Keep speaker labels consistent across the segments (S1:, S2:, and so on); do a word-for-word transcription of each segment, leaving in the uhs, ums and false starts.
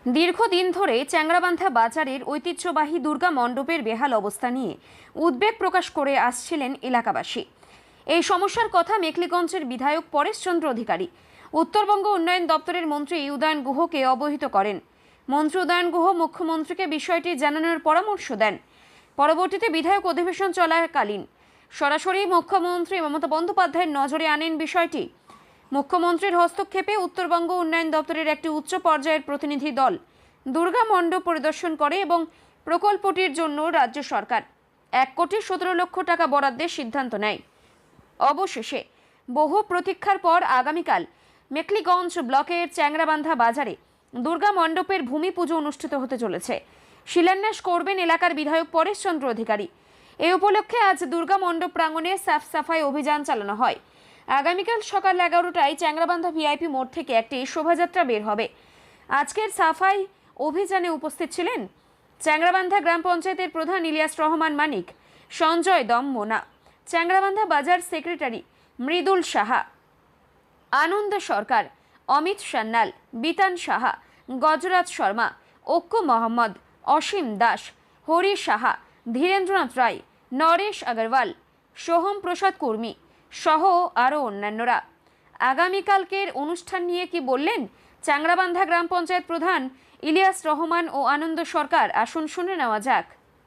S1: দীর্ঘদিন ধরে চ্যাংড়াবান্ধা বাজারের ঐতিহ্যবাহী দুর্গা মণ্ডপের বেহাল অবস্থা নিয়ে উদ্বেগ প্রকাশ করে আসছিলেন এলাকাবাসী। এই সমস্যার কথা মেখলিগঞ্জের বিধায়ক পরেশচন্দ্র অধিকারী উত্তরবঙ্গ উন্নয়ন দপ্তরের মন্ত্রী উদয়ন গুহকে অবহিত করেন। মন্ত্রী উদয়ন গুহ মুখ্যমন্ত্রীকে বিষয়টি জানানোর পরামর্শ দেন। পরবর্তীতে বিধায়ক অধিবেশন চলাকালীন সরাসরি মুখ্যমন্ত্রী মমতা বন্দ্যোপাধ্যায়ের নজরে আনেন বিষয়টি। মুখ্যমন্ত্রীর হস্তক্ষেপে উত্তরবঙ্গ উন্নয়ন দপ্তরের একটি উচ্চ পর্যায়ের প্রতিনিধি দল দুর্গা মণ্ডপ পরিদর্শন করে এবং প্রকল্পটির জন্য রাজ্য সরকার এক কোটি সতেরো লক্ষ টাকা বরাদ্দের সিদ্ধান্ত নেয়। অবশেষে বহু প্রতীক্ষার পর আগামীকাল মেখলিগঞ্জ ব্লকের চ্যাংড়াবান্ধা বাজারে দুর্গা মণ্ডপের ভূমি পুজো অনুষ্ঠিত হতে চলেছে। শিলান্যাস করবেন এলাকার বিধায়ক পরেশচন্দ্র অধিকারী। এই উপলক্ষে আজ দুর্গা মণ্ডপ প্রাঙ্গণে সাফ সাফাই অভিযান চালানো হয়। আগামীকাল সকাল এগারোটায় চ্যাংড়াবান্ধা ভিআইপি মোড় থেকে একটি শোভাযাত্রা বের হবে। আজকের সাফাই অভিযানে উপস্থিত ছিলেন চ্যাংড়াবান্ধা গ্রাম পঞ্চায়েতের প্রধান ইলিয়াস রহমান মানিক, সঞ্জয় দম মোনা, চ্যাংড়াবান্ধা বাজার সেক্রেটারি মৃদুল সাহা, আনন্দ সরকার, অমিত সান্যাল, বিতান সাহা, গজরাজ শর্মা, অক্কু মোহাম্মদ, অসীম দাস, হরি সাহা, ধীরেন্দ্রনাথ রায়, নরেশ আগরওয়াল, সোহম প্রসাদ কর্মী সহ আরও অন্যান্যরা। আগামীকালকের অনুষ্ঠান নিয়ে কি বললেন চ্যাংড়াবান্ধা গ্রাম পঞ্চায়েত প্রধান ইলিয়াস রহমান ও আনন্দ সরকার, আসুন শুনে নেওয়া যাক।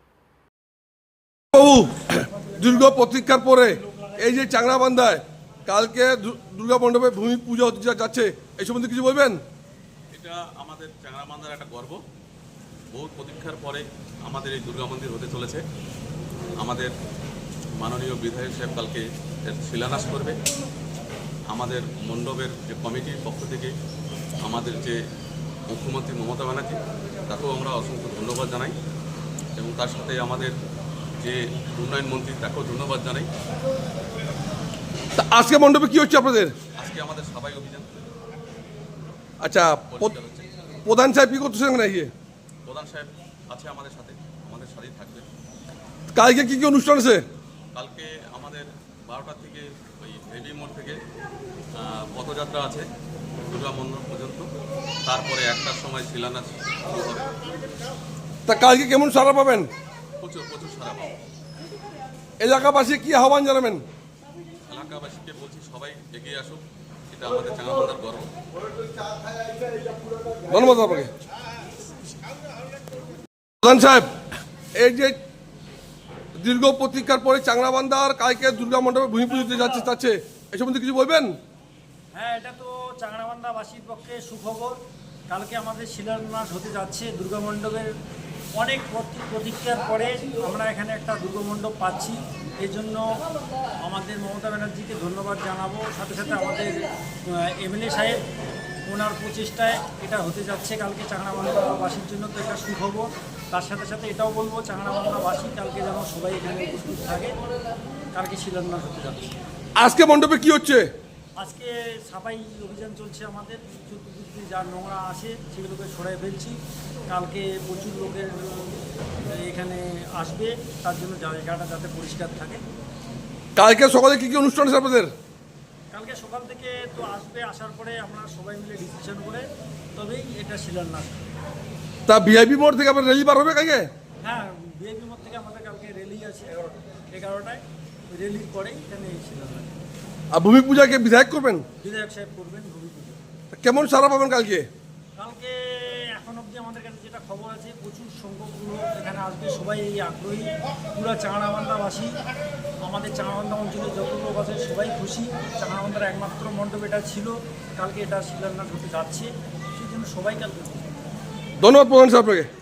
S2: বাবু, দীর্ঘ প্রতীক্ষার পরে এই যে চ্যাংড়াবান্ধায় কালকে দুর্গা মণ্ডপে ভূমি পূজা হতে যাচ্ছে, এই সম্বন্ধে কিছু বলবেন?
S3: এটা আমাদের চ্যাংড়াবান্ধার একটা গর্ব। বহু প্রতীক্ষার পরে আমাদের এই দুর্গা মন্দির হতে চলেছে। আমাদের মাননীয় বিধায়ক সাহেব কালকে এর শিলান্যাস করবে। আমাদের মণ্ডপের যে কমিটির পক্ষ থেকে আমাদের যে মুখ্যমন্ত্রী মমতা ব্যানার্জি, তাকেও আমরা অসংখ্য ধন্যবাদ জানাই এবং তার সাথে আমাদের যে উন্নয়ন মন্ত্রী, তাকেও ধন্যবাদ জানাই।
S2: আজকে মণ্ডপে কি হচ্ছে আপনাদের?
S3: আজকে আমাদের সাফাই অভিযান।
S2: আচ্ছা, প্রধান সাহেব কি করতেছেন নাকি?
S3: প্রধান সাহেব আছে আমাদের সাথে, আমাদের সাথেই থাকবে।
S2: কালকে কি কি অনুষ্ঠান আছে?
S3: কালকে আমাদের বারোটা থেকে ওই হেভি মোড় থেকে পথযাত্রা আছে দুর্গা মণ্ডপ পর্যন্ত। তারপরে একটার সময় শিলান্যাস শুরু হবে।
S2: তা কালকে কেমন সাড়া পাবেন?
S3: প্রচুর প্রচুর সাড়া পাবো।
S2: এলাকাবাসী কি আহ্বান জানাবেন?
S3: এলাকাবাসীকে বলছি সবাই এগিয়ে আসুক, এটা আমাদের চ্যাংড়াবান্ধার গর্ব।
S2: ধন্যবাদ আপনাকে। প্রধান সাহেব, এই যে দীর্ঘ প্রতীক্ষার পরে চ্যাংড়াবান্ধার কালকে দুর্গা মণ্ডপে ভূমি পুজো দিতে যাচ্ছে যাচ্ছে এই সম্বন্ধে কিছু বলবেন?
S4: হ্যাঁ, এটা তো চ্যাংড়াবান্ধাবাসীর পক্ষে সুখবর। কালকে আমাদের শিলান্যাস হতে যাচ্ছে দুর্গা মণ্ডপের। অনেক প্রতীক্ষার পরে আমরা এখানে একটা দুর্গা মণ্ডপ পাচ্ছি। এই জন্য আমাদের মমতা ব্যানার্জিকে ধন্যবাদ জানাবো। সাথে সাথে আমাদের এমএলএ সাহেব, ওনার প্রচেষ্টায় এটা হতে যাচ্ছে কালকে চ্যাংড়াবান্ধাবাসীর জন্য, তো এটা সুখবর। তার সাথে সাথে এটাও বলবো চ্যাংড়াবান্ধাবাসী কালকে যেন সবাই এখানে উপস্থিত থাকে। কালকে শিলান্যাস হতে যাচ্ছে।
S2: আজকে মণ্ডপে কি হচ্ছে?
S4: আজকে সাফাই অভিযান চলছে আমাদের। চতুর্দিক দিয়ে যা নোংরা আসে সেগুলোকে সরাই ফেলছি। কালকে প্রচুর লোকের এখানে আসবে, তার জন্য জায়গাটা যাতে পরিষ্কার থাকে।
S2: কালকে সকালে কি কি অনুষ্ঠান আছে আপনাদের?
S4: কালকে সকাল থেকে তো আসবে, আসার পরে আমরা সবাই মিলে ডিসিশন করে তবেই এটা শিলান্যাস।
S2: তা ভিআইপি মোড় থেকে আপনার র্যালি বার হবে কালকে?
S4: হ্যাঁ, ভিআইপি মোড় থেকে আমাদের কালকে র্যালি আছে এগারোটায়। র্যালির পরেই এখানে শিলান্যাস।
S2: আর ভূমি পূজাকে বিধায়ক করবেন?
S4: বিধায়ক সাহেব করবেন ভূমি পুজো।
S2: কেমন সাড়া পাবেন কালকে?
S4: কালকে এখন অবধি আমাদের কাছে যেটা খবর আছে, প্রচুর সংখ্যক লোক এখানে আসবে। সবাই এই আগ্রহী। পুরো চ্যাংড়াবান্ধাবাসী, আমাদের চ্যাংড়াবান্ধা অঞ্চলে যত লোক আছে সবাই খুশি। চ্যাংড়াবান্ধার একমাত্র মণ্ডপ এটা ছিল, কালকে এটা শিলান্যাস হতে যাচ্ছে, সেই জন্য সবাই কালকে।
S2: ধন্যবাদ প্রধান সাহেব আপনাকে।